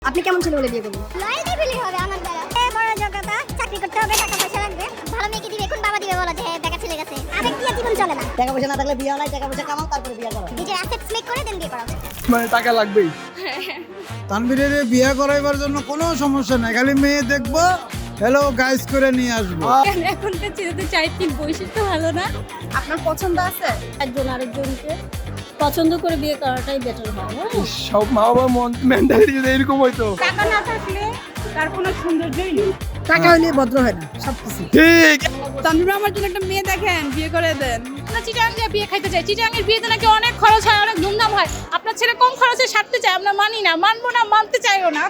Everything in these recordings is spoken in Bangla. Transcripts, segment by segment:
আপনি কেমন ছেলে হলে বিয়ে করবেন? লয়ালটি ফিলিং হবে আমার দ্বারা। বড় যোগ্যতা, চাকরি করতে হবে, টাকা পয়সা লাগবে। ভালো মেয়েকে দিবে, কোন বাবা দিবে বলো যে দেখা ছেলে গেছে। আবেগ দিয়ে জীবন চলে না। টাকা পয়সা না থাকলে বিয়ে হয় না, টাকা পয়সা কামাও তারপরে বিয়ে করো। নিজের অ্যাসেটস মেক করে দেন বিয়ে করা উচিত। মানে টাকা লাগবেই। তানভীরের বিয়ে করাইবার জন্য কোনো সমস্যা নাই, খালি মেয়ে দেখবো, হ্যালো গাইস করে নিয়ে আসবো। এখনকার ছেলেদের চারিত্রিক বৈশিষ্ট্য ভালো না। আপনার পছন্দ আছে? একজন আরেকজনকে পছন্দ করে বিয়ে করাটাই বেটার হয়। সব মা বাবার মেন্টালিটি যদি এরকম হইতো। টাকা না থাকলে তার কোনো সৌন্দর্যই নেই। টাকা হইলে ভদ্র হয় না সবকিছু। ঠিক। তানভীর আমার জন্য একটা মেয়ে দেখেন, বিয়ে করে দেন। আমরা চিটাং দিয়ে বিয়ে খাইতে চাই। চিটাং এর বিয়েতে নাকি অনেক খরচ হয়, অনেক ধুমধাম হয়। আপনার ছেলে কম খরচে সারতে চায়, আমরা মানি না, মানবো না, মানতে চাইও না।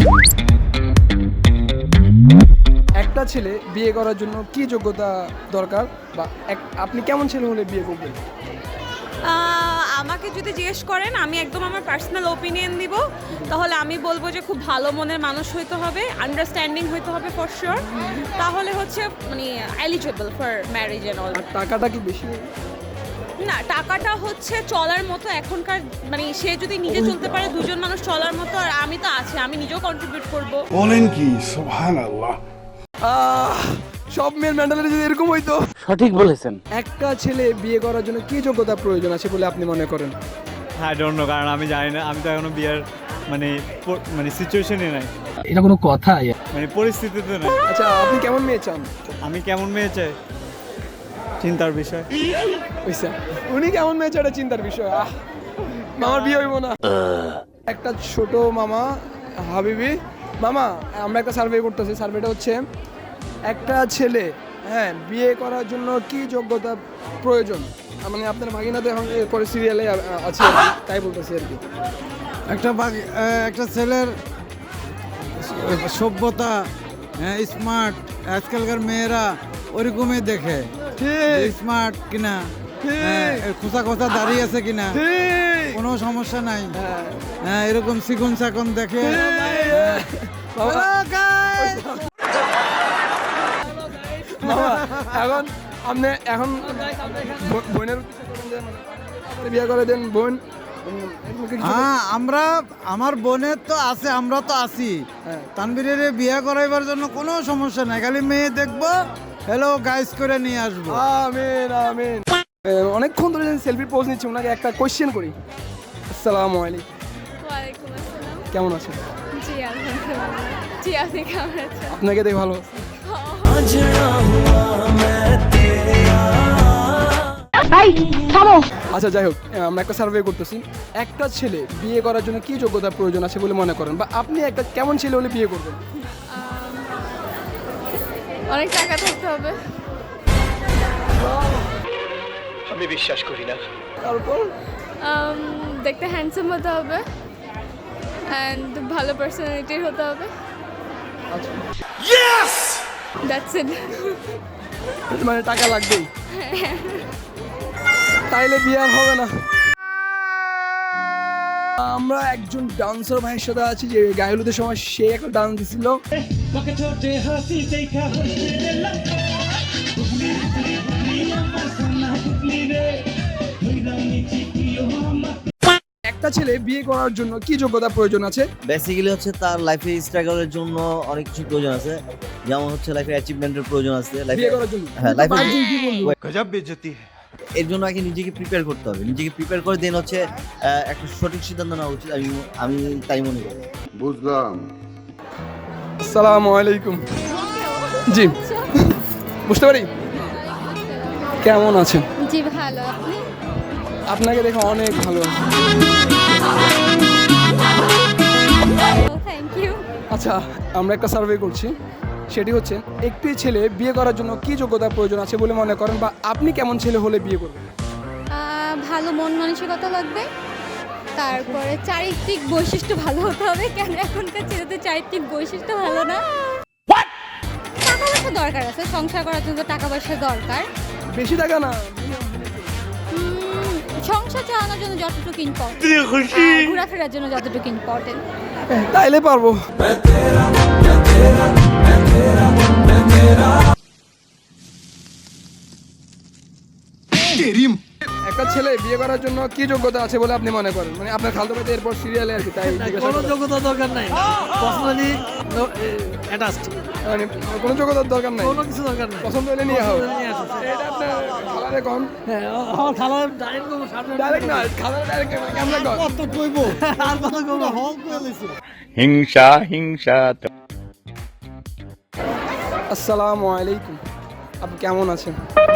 একটা ছেলে বিয়ে করার জন্য কি যোগ্যতা দরকার, বা আপনি কেমন ছেলে হলে বিয়ে করবেন? আমাকে যদি জিজ্ঞেস করেন, আমি একদম আমার পার্সোনাল ওপিনিয়ন দিব, তাহলে আমি বলবো যে খুব ভালো মনের মানুষ হইতে হবে, আন্ডারস্ট্যান্ডিং হইতে হবে ফর শিওর, তাহলে হচ্ছে মানে eligible for marriage and all. আর টাকাটা কি বেশি? না, টাকাটা হচ্ছে চলার মতো এখনকার, মানে সে যদি নিজে চলতে পারে, দুজন মানুষ চলার মতো, আর আমি তো আছি, আমি নিজেও কন্ট্রিবিউট করব। বলেন কি সুবহানাল্লাহ। সব মেয়ের মেন্টালিটি যদি এরকম হইতো। সঠিক বলেছেন। একটা ছেলে বিয়ে করার জন্য কি যোগ্যতা প্রয়োজন আছে বলে আপনি মনে করেন? আই ডোন্ট নো, কারণ আমি জানি না, আমি তো এখনো বিয়ের মানে সিচুয়েশনে নাই, এটা কোনো কথা? মানে পরিস্থিতিতে নাই। আচ্ছা, আপনি কেমন মেয়ে চান? আমি কেমন মেয়ে চাই চিন্তার বিষয়। বুঝছে, উনি কেমন মেয়ে চাই এটা চিন্তার বিষয়। মামার বিয়ে হইব না। একটা ছোট মামা হাবিবি মামা, আমরা একটা সার্ভে করতেছি। সার্ভেটা হচ্ছে একটা ছেলে বিয়ে করার জন্য কি যোগ্যতা প্রয়োজন। মানে আপনার ভাগিনাতে এখন করে সিরিয়ালে আছে আর কি, তাই বলতেছি আর কি। একটা ছেলের সভ্যতা, স্মার্ট, আজকালকার মেয়েরা ওরকমই দেখে, স্মার্ট কিনা, খোসা খোসা দাঁড়িয়ে আছে কিনা, কোনো সমস্যা নাই। হ্যাঁ, এরকম চিকন চাকন দেখে। এখন আপনি এখন বোনের বিয়ে করে দেন বোন। হ্যাঁ, আমার বোনের তো আছে, আমরা তো আছি। তানভীরের বিয়ে করাইবার জন্য কোনো সমস্যা নাই, খালি মেয়ে দেখবো, হ্যালো গাইস করে নিয়ে আসবো। আমিন আমিন। অনেকক্ষণ ধরে সেলফি পোজ নিচ্ছি, ওনাকে একটা কোয়েশ্চেন করি। আসসালামু আলাইকুম। ওয়ালাইকুম আসসালাম। কেমন আছেন? জি আলহামদুলিল্লাহ। জি, আপনি কেমন আছেন? আপনাকে দেখে ভালো। আচ্ছা, যাই হোক, আমরা একটা সার্ভে করতেছি। একটা ছেলে বিয়ে করার জন্য কি যোগ্যতা প্রয়োজন আছে বলে মনে করেন, বা আপনি একটা কেমন ছেলে হলে বিয়ে করবেন? অনেক টাকা থাকতে হবে। আমি বিশ্বাস করি না। তারপর দেখতে হ্যান্ডসাম হতে হবে অ্যান্ড ভালো পার্সোনালিটির হতে হবে। That's it. মানে টাকা লাগবেই, তাইলে বিয়ে আর হবে না। আমরা একজন ডান্সার ভাইয়ের সাথে আছি, যে গায়ে হলুদের সময় সে একটা ডান্স দিছিল। একটা ছেলে বিয়ে করার জন্য কি যোগ্যতা প্রয়োজন আছে? বেসিক্যালি হচ্ছে তার লাইফে স্ট্রাগলের জন্য অনেক কিছু প্রয়োজন আছে, যেমন হচ্ছে লাইফে অ্যাচিভমেন্টের প্রয়োজন আছে। বিয়ে করার জন্য হ্যাঁ, লাইফে গজব বেইজ্জতি। এর জন্য আগে নিজেকে প্রিপেয়ার করতে হবে, নিজেকে প্রিপেয়ার করে দেন হচ্ছে একটা সঠিক সিদ্ধান্ত নেওয়া উচিত। আমি তাই মনে করি। বুঝলাম। আসসালামু আলাইকুম। জি, বুঝতে পারি। কেমন আছেন? জি ভালো। আপনি? আপনাকে দেখে অনেক ভালো। Thank you. আচ্ছা, আমরা একটা সার্ভে করছি, সেটি হচ্ছে একটি ছেলে বিয়ে করার জন্য কি যোগ্যতা প্রয়োজন আছে বলে মনে করেন, বা আপনি কেমন ছেলে হলে বিয়ে করবেন? ভালো মন মানসিকতা লাগবে, তারপরে চারিত্রিক বৈশিষ্ট্য ভালো হতে হবে। কেন এখনকার ছেলেদের চারিত্রিক বৈশিষ্ট্য ভালো না। টাকা পয়সা দরকার আছে, সংসার করার জন্য টাকা পয়সা দরকার। বেশি টাকা না, সংসার চালানোর জন্য যতটুকু ইম্পর্টেন্ট, ঘোরাফেরার জন্য যতটুকু ইম্পর্টেন্ট। তাইলে পারবো। একটা ছেলে বিয়ে করার জন্য কি যোগ্যতা আছে বলে আপনি মনে করেন? মানে আপনার খালতো ভাই তো এরপর সিরিয়ালে আর কি, তাই জিজ্ঞাসা কোনো করা। যোগ্যতা দরকার নাই, পার্সোনালি অ্যাটাচড, মানে কোনো যোগ্যতার দরকার নাই, কোনো কিছু দরকার নাই, পছন্দ হলে নিয়ে হবে। নিয়ে আসো। এটা আপনার খালারে কম, হ্যাঁ, আমার খালার ডাইরেক্ট সামনে ডাইরেক্ট না, খালারে ডাইরেক্ট কেমন কম? কত কইব আর কত কইব হল কই লইছে। হিংসা হিংসা আসসালামু আলাইকুম, আপনি কেমন আছেন?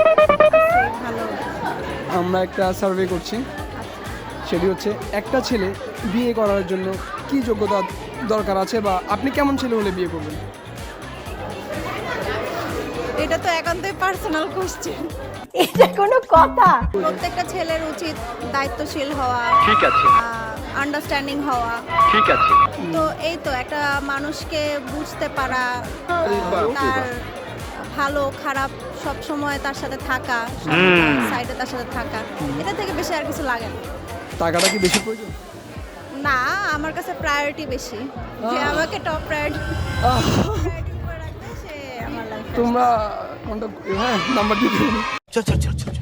আমরা একটা সার্ভে করছি, সেটি হচ্ছে একটা ছেলে বিয়ে করার জন্য কি যোগ্যতা দরকার আছে, বা আপনি কেমন ছেলে হলে বিয়ে করবেন? এটা তো একান্তই পার্সোনাল কোশ্চেন। এটা কোনো কথা? প্রত্যেকটা ছেলের উচিত দায়িত্বশীল হওয়া, ঠিক আছে আন্ডারস্ট্যান্ডিং হওয়া। ঠিক আছে তো এই তো একটা মানুষকে বুঝতে পারা, তার ভালো খারাপ সব সময় তার সাথে থাকা, সাইডে তার সাথে থাকা, এটা থেকে বেশি আর কিছু লাগে না। টাকাটা কি বেশি প্রয়োজন? না, আমার কাছে প্রায়োরিটি বেশি, যে আমাকে টপ প্রায়োরিটি করে রাখবে সে আমার লাইফে। তোমরা কোনটা, হ্যাঁ নাম্বার দিতে হবে। चल चल चल चल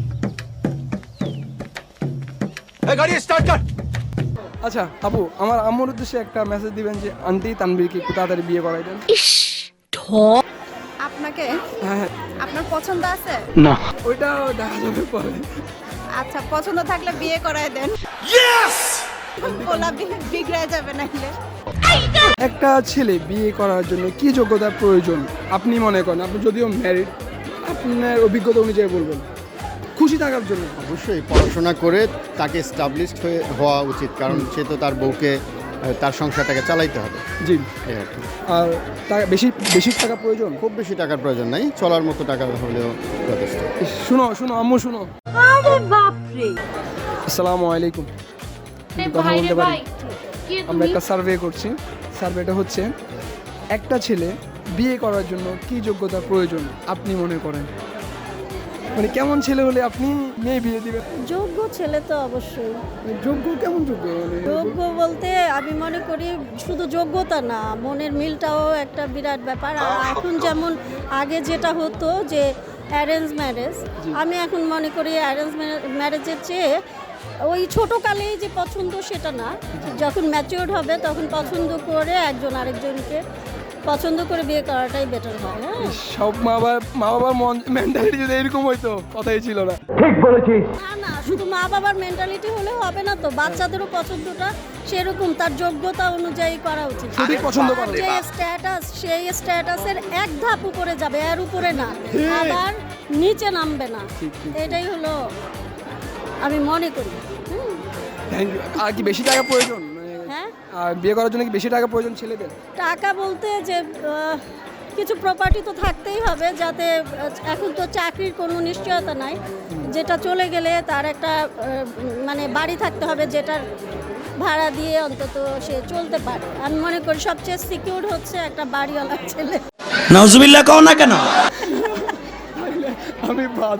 गाड़ी स्टार्ट कर। আচ্ছা আপু, আমার আম্মুর উদ্দেশ্যে একটা মেসেজ দিবেন যে আন্টি তানবীরকে একটু তাড়াতাড়ি বিয়ে করাই দেন। আপনাকে হ্যাঁ, আপনার পছন্দ আছে? না ওইটা দেখা যাবে পরে। আচ্ছা, পছন্দ থাকলে বিয়ে করায় দেন। বলা বিগড়ে যাবে নাহলে। একটা ছেলে বিয়ে করার জন্য কি যোগ্যতার প্রয়োজন আপনি মনে করেন? আপনি যদিও ম্যারিড, আপনার অভিজ্ঞতা অনুযায়ী বলবেন। খুশি থাকার জন্য অবশ্যই পড়াশোনা করে তাকে এস্টাবলিশড হওয়া উচিত, কারণ সে তো তার বউকে তার সংসারটাকে চালাইতে হবে। জি। এই আর কি। আর টাকা বেশি বেশি টাকা প্রয়োজন? খুব বেশি টাকার প্রয়োজন নাই, চলার মতো টাকা হলেও যথেষ্ট। শুনো শুনো আম্মু শুনো। আরে বাপ রে, আসসালামু আলাইকুম, কথা বলতে পারি? আমরা একটা সার্ভে করছি, সার্ভেটা হচ্ছে একটা ছেলে বিয়ে করার জন্য কি যোগ্যতা প্রয়োজন আপনি মনে করেন? মানে কেমন ছেলে হলে আপনি মেয়ে বিয়ে দিবেন? যোগ্য ছেলে তো অবশ্যই। যোগ্য কেমন যোগ্য? মানে যোগ্য বলতে আমি মনে করি শুধু যোগ্যতা না, মনের মিলটাও একটা বিরাট ব্যাপার। আর এখন যেমন আগে যেটা হতো যে অ্যারেঞ্জ ম্যারেজ, আমি এখন মনে করি অ্যারেঞ্জ ম্যারেজের চেয়ে ওই ছোটোকালেই যে পছন্দ সেটা না, যখন ম্যাচিওর হবে তখন পছন্দ করে একজন আরেকজনকে পছন্দ করে বিয়ে করাটাই বেটার হয়। হ্যাঁ, সব মা বাবার মেন্টালিটি যদি এরকম হইতো কথাই ছিল না। না না, শুধু মা বাবার মেন্টালিটি হলে হবে না তো, বাচ্চাদেরও পছন্দটা সেরকম তার যোগ্যতা অনুযায়ী করা উচিত। যদি পছন্দ করে যে স্ট্যাটাস, সেই স্ট্যাটাসের এক ধাপ উপরে যাবে, এর উপরে না, আবার নিচে নামবে না। এটাই হলো আমি মনে করি। Thank you. আর কি বেশি টাকা প্রয়োজন? হ্যাঁ, আর বিয়ে করার জন্য কি বেশি টাকা প্রয়োজন ছেলেদের? টাকা বলতে যে কিছু প্রপার্টি তো থাকতেই হবে, যাতে এখন তো চাকরির কোনো নিশ্চয়তা নাই, যেটা চলে গেলে তার একটা মানে বাড়ি থাকতে হবে, যেটার ভাড়া দিয়ে অন্তত সে চলতে পারে। আমি মনে করি সবচেয়ে সিকিউর হচ্ছে একটা বাড়িওয়ালা ছেলে। নাউজুবিল্লাহ কও না কেন? আমি বাদ।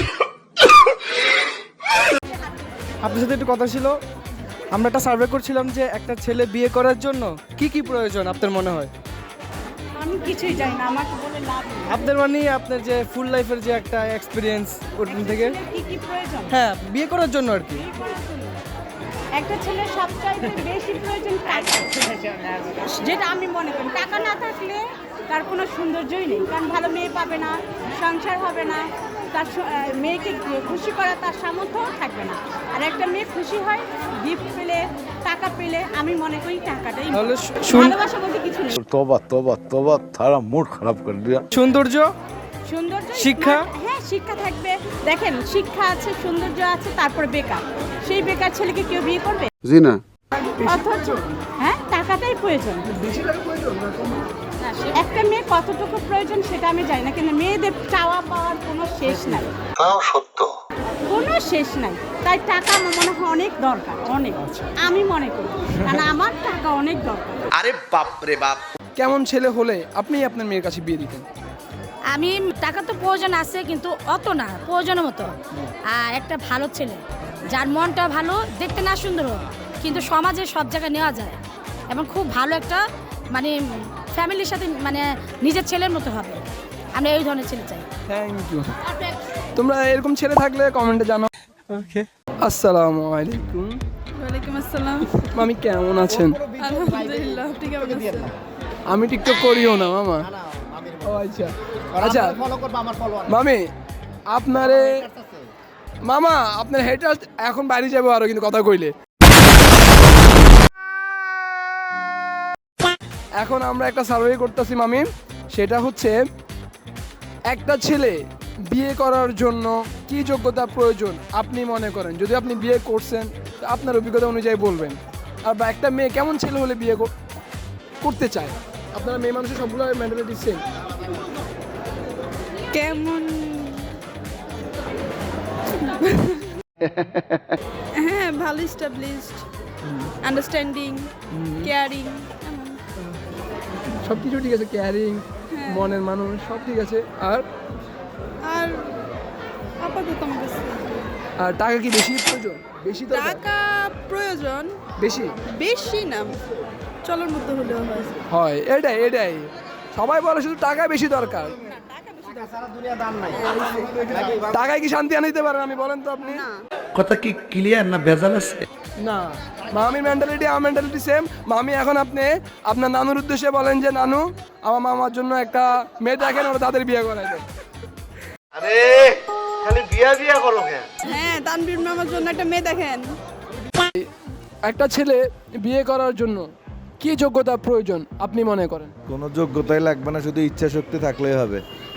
আপনার সাথে একটু কথা ছিল, আমরা একটা সার্ভে করছিলাম যে একটা ছেলে বিয়ে করার জন্য কি কি প্রয়োজন আপনার মনে হয়? আমি কিছুই জানি না, আমাকে বলে লাভ নেই। আপনার মানে আপনার যে ফুল লাইফের যে একটা এক্সপিরিয়েন্স ওখান থেকে, কি কি প্রয়োজন? হ্যাঁ বিয়ে করার জন্য আর কি। একটা ছেলের সবচাইতে বেশি প্রয়োজন টাকা, যেটা আমি মনে করি। টাকা না থাকলে তার কোনো সৌন্দর্যই নেই, কারণ ভালো মেয়ে পাবে না, সংসার হবে না, তার মেয়েকে খুশি করা তার সামর্থ্য থাকবে না। আর একটা মেয়ে খুশি হয় গিফট পেলে, টাকা পেলে। আমি মনে করি টাকাটাই, তাহলে ভালোবাসা বলতে কিছু নেই। तौबा तौबा तौबा थारा मूड खराब कर दिया। সৌন্দর্য, সৌন্দর্য, শিক্ষা? হ্যাঁ শিক্ষা থাকবে। দেখেন, শিক্ষা আছে, সৌন্দর্য আছে, তারপরে বেকার। সেই বেকার ছেলেকে কেউ বিয়ে করবে? जी ना অথচ হ্যাঁ, টাকাটাই প্রয়োজন। একটা মেয়ে কতটুকু প্রয়োজন সেটা আমি জানি না, কিন্তু মেয়েদের চাওয়া পাওয়ার কোনো শেষ নাই, সত্য কোনো শেষ নাই। তাই টাকা আমার মনে হয় অনেক দরকার, অনেক। আমি মনে করি, কারণ আমার টাকা অনেক দরকার। আরে বাপ রে বাপ। কেমন ছেলে হলে আপনি আপনার মেয়ের কাছে বিয়ে দিতেন? আমি টাকা তো প্রয়োজন আছে, কিন্তু অত না, প্রয়োজনের মতো। আর একটা ভালো ছেলে, যার মনটা ভালো, দেখতে না সুন্দর হোক, কিন্তু সমাজে সব জায়গায় নেওয়া যায়, এবং খুব ভালো একটা মানে ফ্যামিলির সাথে মানে নিজের ছেলের মতো হবে। আমি এই ধরনের ছেলে চাই। Thank you. তোমরা এরকম ছেলে থাকলে কমেন্টে জানাও। ওকে, আসসালামু আলাইকুম। ওয়ালাইকুম আসসালাম। মামি কেমন আছেন? আলহামদুলিল্লাহ, আপনি কেমন আছেন? আমি টিকটক করিও না মামা। ও আচ্ছা আচ্ছা মামি, আপনারে মামা আপনার হেটার এখন বাইরে যাবো আরো, কিন্তু কথা কইলে এখন আমরা একটা সার্ভে করতেছি মামি, সেটা হচ্ছে একটা ছেলে বিয়ে করার জন্য কি যোগ্যতা প্রয়োজন আপনি মনে করেন? যদি আপনি বিয়ে করছেন তো আপনার অভিজ্ঞতা অনুযায়ী বলবেন। আর বা একটা মেয়ে কেমন ছেলে হলে বিয়ে করতে চায়? আপনারা মেয়ে মানুষের সবগুলো মেন্টালিটি সেম। কেমন? হ্যাঁ, ভালো, এস্টাবলিশড, আন্ডারস্ট্যান্ডিং, কেয়ারিং, সব কিছু ঠিক আছে, কেয়ারিং, মনের মানুষ সব ঠিক আছে। আর আর আপাতত আমার কাছে আর টাকা কি বেশি প্রয়োজন? বেশি তো টাকা প্রয়োজন, বেশি বেশি না, চলার মতো হলেও হয়। হয়, এটাই এটাই সবাই বলে শুধু টাকা বেশি দরকার। টাকায় কি শান্তি আনতে পারেন? আমি বলেন তো আপনি। কথা কি ক্লিয়ার না ভেজাল আছে? না, মামির মেন্টালিটি আমার মেন্টালিটি সেম। মামি এখন আপনি আপনার নানুর উদ্দেশ্যে বলেন যে নানু আমার মামার জন্য একটা মেয়ে দেখেন, ওরা তাদের বিয়ে করাই দেন। আরে খালি বিয়া বিয়া করো কেন? হ্যাঁ, তানভীর মামার জন্য একটা মেয়ে দেখেন। একটা ছেলে বিয়ে করার জন্য কি যোগ্যতা প্রয়োজন আপনি মনে করেন? কোনো যোগ্যতাই লাগবে না, শুধু ইচ্ছা শক্তি থাকলেই হবে।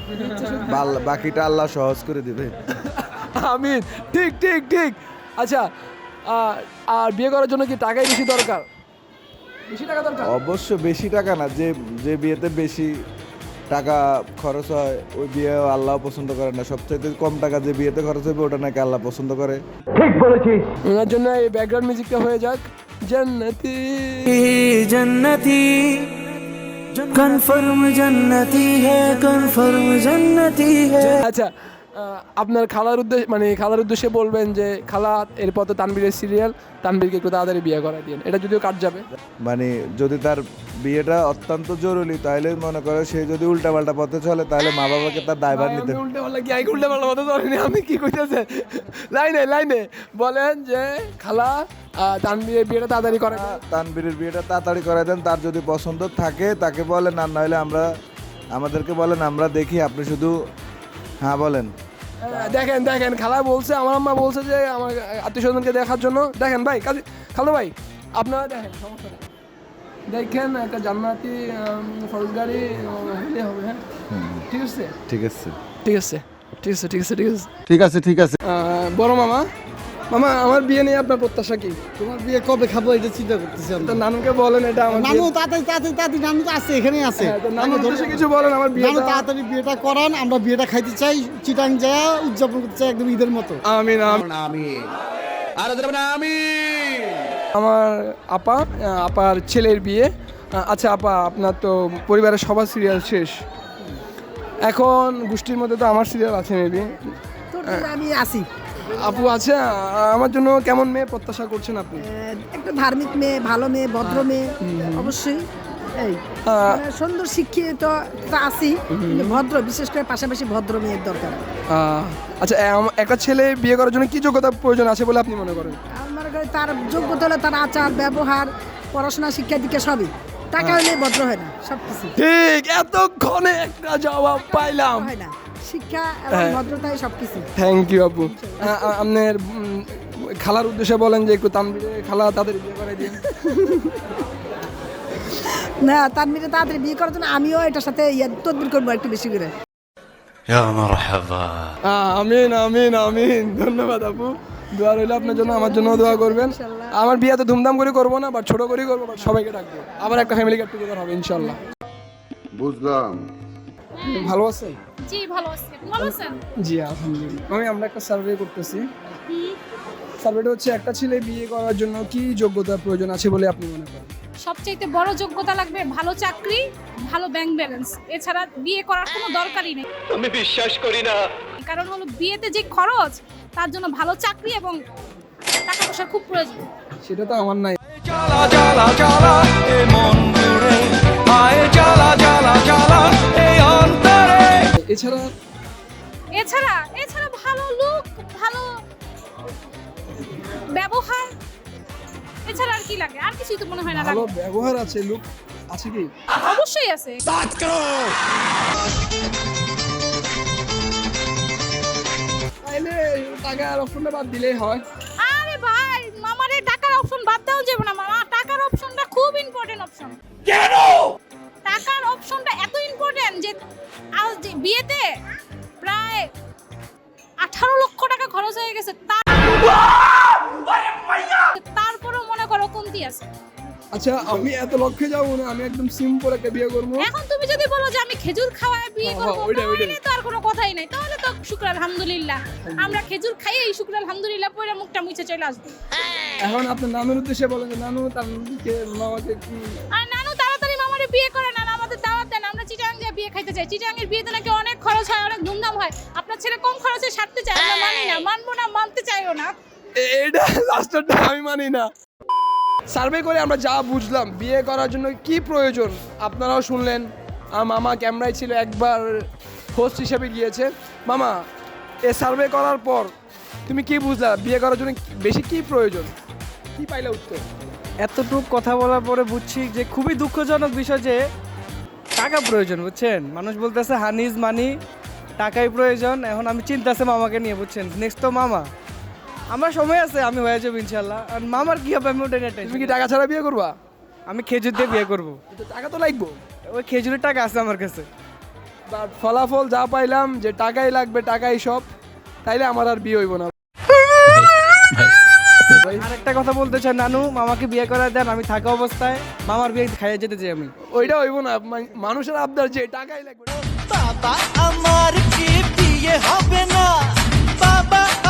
বাকিটা আল্লাহ সহজ করে দিবে। আমিন, ঠিক ঠিক ঠিক। আচ্ছা, আর বিয়ে করার জন্য কি টাকাই বেশি দরকার? বেশি টাকা দরকার? অবশ্য বেশি টাকা না, যে যে বিয়েতে বেশি টাকা খরচ হয় ওই বিয়ে আল্লাহ পছন্দ করে না। সবচাইতে কম টাকা যে বিয়েতে খরচ হবে ওটা নাকি আল্লাহ পছন্দ করে। ওনার জন্য এই ব্যাকগ্রাউন্ড মিউজিকটা হয়ে যাক, জান্নাতি जन्नती कन्फर्म जन्नती है, कन्फर्म जन्नती है। আচ্ছা, আপনার খালার উদ্দেশ্যে মানে খালার উদ্দেশ্যে বলবেন যে খালা এরপর তো তানবীরের সিরিয়াল, তানবীরকে একটু তাড়াতাড়ি বিয়ে করা দিন। এটা যদিও কাট যাবে, মানে যদি তার বিয়েটা অত্যন্ত জরুরি তাহলে মনে করে সে যদি উল্টাপাল্টা পথে চলে তাহলে মা বাবাকে তার দায়ভার নিতে। উল্টে পাল্টা কি উল্টে পাল্টা কথা ধরেনি, আমি কি কইতেছে লাইনে লাইনে বলেন যে খালা তানবীরের বিয়েটা তাড়াতাড়ি করে দেন। তানবীরের বিয়েটা তাড়াতাড়ি করে দেন, তার যদি পছন্দ থাকে তাকে বলেন, আর নইলে আমাদেরকে বলেন, আমরা দেখি, আপনি শুধু হ্যাঁ বলেন। দেখেন দেখেন খালা বলছে, আমার আম্মা বলছে যে আমার আত্মীয় স্বজনকে দেখার জন্য। দেখেন ভাই, খালো ভাই আপনারা দেখেন, সমস্যা নেই, দেখেন একটা জান্নাতি ফৌজদারি হলে হবে। হ্যাঁ, ঠিক আছে ঠিক আছে ঠিক আছে ঠিক আছে ঠিক আছে ঠিক আছে ঠিক আছে ঠিক আছে। বড় মামা, মামা আমার বিয়ে নিয়ে আপনার প্রত্যাশা কি? তোমার বিয়ে কবে খাবো এটা চিন্তা করতেছি আমি। তো নানুকে বলেন এটা আমার নানু তাড়াতাড়ি নানু তো আছে, এখানেই আছে। নানুর উদ্দেশ্যে কিছু বলেন আমার বিয়ে। নানু তাড়াতাড়ি বিয়েটা করান, আমরা বিয়েটা খাইতে চাই, চিটাং যায় উদযাপন করতে চাই একদম ঈদের মতো। আমিন আমার আপার ছেলের বিয়ে। আচ্ছা আপা, আপনার তো পরিবারের সবার সিরিয়াল শেষ, এখন গোষ্ঠীর মধ্যে তো আমার সিরিয়াল আছে মেবি। আমি আসি, আপু আছে, আমার জন্য কেমন মেয়ে প্রত্যাশা করছেন আপনি? একটা ধার্মিক মেয়ে, ভালো মেয়ে, ভদ্র মেয়ে, অবশ্যই এই সুন্দর শিক্ষিত তো আছি, ভদ্র, বিশেষ করে পাশাপাশি ভদ্র মেয়ের দরকার। আচ্ছা, একটা ছেলে বিয়ে করার জন্য কি যোগ্যতা প্রয়োজন আছে বলে আপনি মনে করেন? আমার কাছে তার যোগ্যতা হলো তার আচার ব্যবহার, পড়াশোনা, শিক্ষা দিকে সবই। টাকা হলে ভদ্র হয় না, সব কিছু ঠিক। এতক্ষণে একটা জবাব পাইলাম, হয় না, শিক্ষা এবং ভদ্রতাই সব কিছু। থ্যাংক ইউ আপু। আপনার খালার উদ্দেশ্যে বলেন যে একটু তানবীরে খালা তাদের বিয়ে করে দিন। না, তানবীরে তাড়াতাড়ি বিয়ে করার জন্য আমিও এটার সাথে তদবির করবো একটু বেশি করে। আমিন আমিন আমিন, ধন্যবাদ আপু। দোয়া রইল আপনার জন্য, আমার জন্য দোয়া করবেন। আমার বিয়ে তো ধুমধাম করে করবো না, বাট ছোট করেই করবো, বাট সবাইকে ডাকবো। আবার একটা ফ্যামিলি গেট টুগেদার হবে ইনশাল্লাহ। বুঝলাম। ভালো আছেন? জি ভালো আছি, ভালো আছেন? জি আলহামদুলিল্লাহ। আমরা একটা সার্ভে করতেছি, সার্ভেটা হচ্ছে একটা ছেলে বিয়ে করার জন্য কি যোগ্যতা প্রয়োজন আছে বলে আপনি মনে করেন? সবচাইতে বড় যোগ্যতা লাগবে ভালো চাকরি, ভালো ব্যাংক ব্যালেন্স, এছাড়া বিয়ে করার কোনো দরকারই নেই। আমি বিশ্বাস করি না। কারণ হলো বিয়েতে যে খরচ, তার জন্য ভালো চাকরি এবং টাকা পয়সা খুব প্রয়োজন। সেটা তো আমার নাই। এছাড়া ভালো লুক, ভালো ব্যবহার, এছাড়া আর কি লাগে? আর কিছুই তো মনে হয় না ভালো লাগে। ব্যবহার আছে, লুক আছে কি? অবশ্যই আছে। তাইলে টাকার অপশনটা বাদ দিলেই হয়। আরে ভাই, মামারে টাকার অপশন বাদ দেওয়া যাবে না মামা। টাকার অপশনটা খুব ইম্পর্টেন্ট অপশন। কেন? টাকার অপশনটা এত ইম্পর্টেন্ট যে আজ যে বিয়েতে প্রায় 18 লক্ষ টাকা খরচ হয়ে গেছে। তারপরেও মনে করো কমতি আছে। আচ্ছা, আমি এত লক্ষ্যে যাবো না, আমি একদম সিম্পল একটা বিয়ে করবো। এখন তুমি যদি বলো যে আমি খেজুর খাওয়ায় বিয়ে হ্যাঁ, করবো, ওইটাই। তাহলে তো আর কোনো কথাই নাই। তাহলে তো শুকর আলহামদুলিল্লাহ, আমরা খেজুর খাইয়েই শুকর আলহামদুলিল্লাহ পরে মুখটা মুছে চলে আসবো। এখন আপনার নানুর উদ্দেশ্যে বলেন যে নানু তার মামাকে কি আর নানু তাড়াতাড়ি মামারে বিয়ে করে না, আমাদের দাওয়াত দেন, আমরা চিটাং যে বিয়ে খাইতে চাই। চিটাং এর বিয়েতে নাকি অনেক খরচ হয়, অনেক ধুমধাম হয়। আপনার ছেলে কম খরচে সারতে চায়, আমরা মানি না, মানবো না, মানতে চাইও না। এটা লাস্টটা আমি মানি না। সার্ভে করে আমরা যা বুঝলাম বিয়ে করার জন্য কি প্রয়োজন আপনারাও শুনলেন। আর মামা ক্যামেরায় ছিল, একবার হোস্ট হিসেবে গিয়েছে। মামা, এ সার্ভে করার পর তুমি কি বুঝলা বিয়ে করার জন্য বেশি কি প্রয়োজন, কি পাইলে উত্তর? এতটুক কথা বলার পরে বুঝছি যে খুবই দুঃখজনক বিষয় যে টাকা প্রয়োজন, বুঝছেন? মানুষ বলতেছে হানি ইজ মানি, টাকাই প্রয়োজন। এখন আমি চিন্তাছে মামাকে নিয়ে, বুঝছেন? নেক্সট তো মামা, আমার সময় আছে, আমি হয়ে যাবো ইনশাল্লাহ। আর মামার কি হবে আমি ওটা নিয়ে তুমি কি টাকা ছাড়া বিয়ে করবা? আমি খেজুর দিয়ে বিয়ে করবো। টাকা তো লাগবো, ওই খেজুরের টাকা আছে আমার কাছে। বাট ফলাফল যা পাইলাম যে টাকাই লাগবে, টাকাই সব, তাইলে আমার আর বিয়ে হইব না। আর একটা কথা বলতে চাই, নানু মামাকে বিয়ে করা দেন, আমি থাকা অবস্থায় মামার বিয়ে খাইয়ে যেতে চাই আমি। ওইটা হইব না, মানুষের আবদার যে টাকাই লাগবে। বাবা আমার কি বিয়ে হবে না, বাবা